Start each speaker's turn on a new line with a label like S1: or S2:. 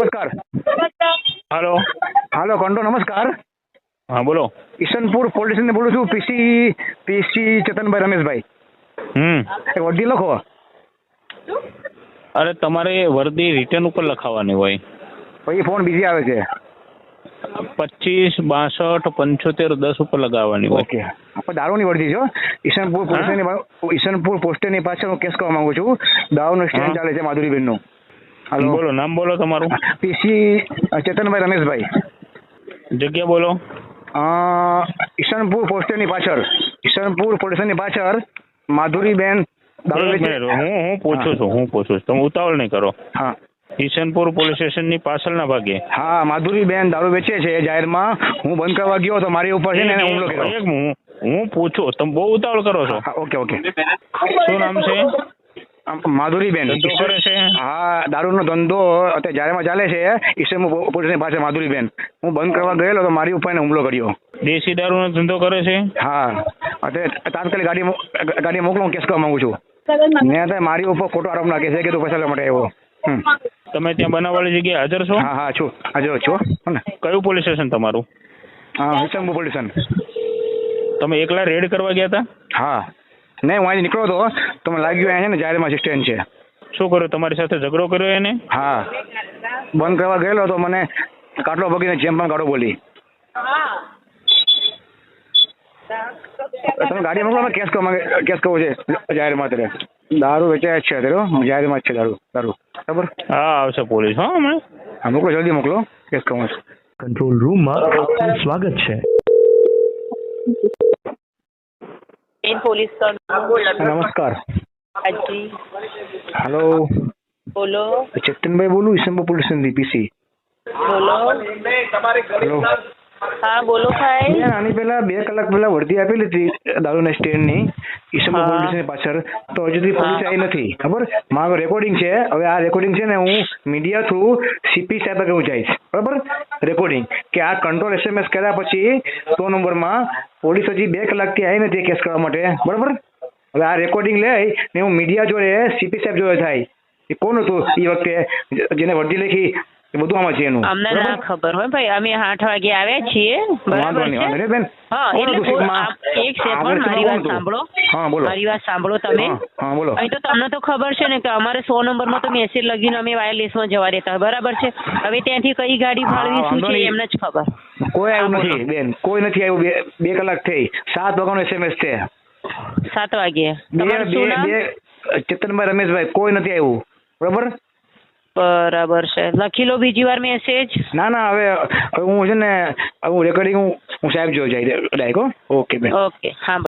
S1: નમસ્કાર.
S2: હાલો.
S1: હાલો કંટો નમસ્કાર.
S2: હા બોલો.
S1: ઈશનપુર પોલીસ સ્ટેશન બોલું છું. પીસી ચેતનભાઈ રમેશભાઈ. એક વર્દી લખો.
S2: અરે તમારે વર્દી રિટર્ન ઉપર લખાવવાની હોય.
S1: પછી ફોન બીજી આવે છે.
S2: 25 62 75 10 ઉપર લગાવવાની હોય.
S1: ઓકે. આપણે દારૂની વર્દી છો. ઈશનપુર ઈશનપુર પોસ્ટની પાછળ હું કેસ કરવા માંગુ છું. દારૂનો સ્ટેન્ડ ચાલે છે માધુરીબેનનું. હાલો
S2: બોલો, નામ બોલો તમારું.
S1: પીસી ચેતનભાઈ રમેશભાઈ.
S2: જગ્યા બોલો.
S1: ઈશનપુર પોસ્ટની પાછળ, ઈશનપુર પોલીસની પાછળ માધુરીબેન દારૂ
S2: એક
S1: વેચે.
S2: મિનિટ, હું પૂછું છું. તમે ઉતાવળ નહીં કરો.
S1: હા
S2: ઈશનપુર પોલીસ સ્ટેશનની પાછળના ભાગે.
S1: હા માધુરીબેન દારૂ વેચે છે જાહેરમાં. હું બંધ કરવા ગયો તો મારી ઉપર છે ને એને હુમલો કર્યો.
S2: હું પૂછું, તમે બહુ ઉતાવળ કરો છો.
S1: હા, ઓકે.
S2: શું નામ છે?
S1: માધુરીબેન.
S2: ધંધો કરે છે?
S1: હા, દારૂનો ધંધો અત્યારે જાહેરમાં ચાલે છે ઈશનપુર પોલીસની પાસે. માધુરીબેન, હું બંધ કરવા ગયેલો તો મારી ઉપર એને હુમલો કર્યો.
S2: દેશી દારૂનો ધંધો કરે છે?
S1: હા, અત્યારે તાત્કાલિક ગાડી મોકલો. હું કેસ કરવા માંગુ છું. ને અત્યારે મારી ઉપર ખોટો આરોપ નાખે છે કે તું પૈસા લેવા માટે આવ્યો.
S2: તમે ત્યાં બનાવવાળી જગ્યાએ હાજર છો?
S1: હા છું, હાજર છો ને.
S2: કયું પોલીસ સ્ટેશન તમારું?
S1: હા, ઈશનપુર પોલીસ સ્ટેશન.
S2: તમે એકલા રેડ કરવા ગયા હતા?
S1: હા, નહીં હું અહીંથી નીકળ્યો હતો તો મને લાગ્યું અહીંયા છે ને જાહેરમાં સ્ટેન્ડ છે.
S2: શું કર્યું? તમારી સાથે ઝઘડો કર્યો એને?
S1: હા, બંધ કરવા ગયેલો તો મને કાટલો ભગીને જેમ પણ કાઢો બોલી. તમે ગાડી મોકલો. કેસ કરવો છે જાહેરમાં. અત્યારે દારૂ વેચાય જ છે. અત્યારે જાહેરમાં જ છે દારૂ. બરાબર?
S2: હા, આવશે પોલીસ. હા, હમણાં.
S1: હા, મોકલો, જલ્દી મોકલો. કેસ કરવો છે.
S3: કંટ્રોલ રૂમમાં આપનું સ્વાગત છે.
S4: પોલીસ
S1: નમસ્કાર.
S4: હાજી
S1: હેલો,
S4: બોલો.
S1: ચેતનભાઈ બોલું, ઈશનપુર પોલીસ સ્ટેશનથી પીસી.
S4: બોલો.
S1: હેલો.
S4: હા બોલો ભાઈ.
S1: આની પહેલા 2 કલાક પહેલા વર્દી આપેલી હતી દારૂના સ્ટેન્ડની ઈશનપુર પોલીસ સ્ટેશનની પાછળ. તો હજુ સુધી પોલીસ આવી નથી. ખબર? મારું રેકોર્ડિંગ છે. હવે આ રેકોર્ડિંગ છે ને હું મીડિયા થ્રુ સીપી સાહેબ આગળ હું જઈશ. બરાબર? રેકોર્ડિંગ કે આ કંટ્રોલ SMS કર્યા પછી 100 નંબરમાં પોલીસ હજી 2 કલાકથી આવી નથી કેસ કરવા માટે. બરાબર? હવે આ રેકોર્ડિંગ લઈ ને હું મીડિયા જોડે સીપી સાહેબ જોડે થાય. એ કોણ હતું એ વખતે જેને વર્દી લખી? એ બધું આમાં છે એનું.
S4: અમને ના ખબર હોય ભાઈ. અમે 8 વાગે આવ્યા છીએ. બરાબર છે.
S1: બેન.
S4: હા, એટલે એક સેકન્ડ મારી વાત સાંભળો.
S1: હા બોલો.
S4: મારી વાત સાંભળો તમે.
S1: હા બોલો.
S4: અહીં તો તમને તો ખબર છે ને કે અમારે 100 નંબરમાં તો મેસેજ લગીને અમે વાયરલેસમાં જવા દેતા. બરાબર છે? હવે ત્યાંથી કઈ ગાડી ફાળવી શું છે એમને જ ખબર.
S1: કોઈ આવ્યું નથી બેન, કોઈ નથી આવ્યું. 2 કલાક થઈ. 7 વાગ્યાનો SMS છે.
S4: 7 વાગે. તમારું શું નામ?
S1: ચેતનભાઈ રમેશભાઈ. કોઈ નથી આવ્યું. બરાબર?
S4: બરાબર છે. લખી લો બીજી વાર મેસેજ.
S1: ના હવે હું છે ને હું રેકોર્ડિંગ હું સાહેબ જોઈ જાય ડાયરેક્ટ. ઓકે બેન.
S4: ઓકે. હા.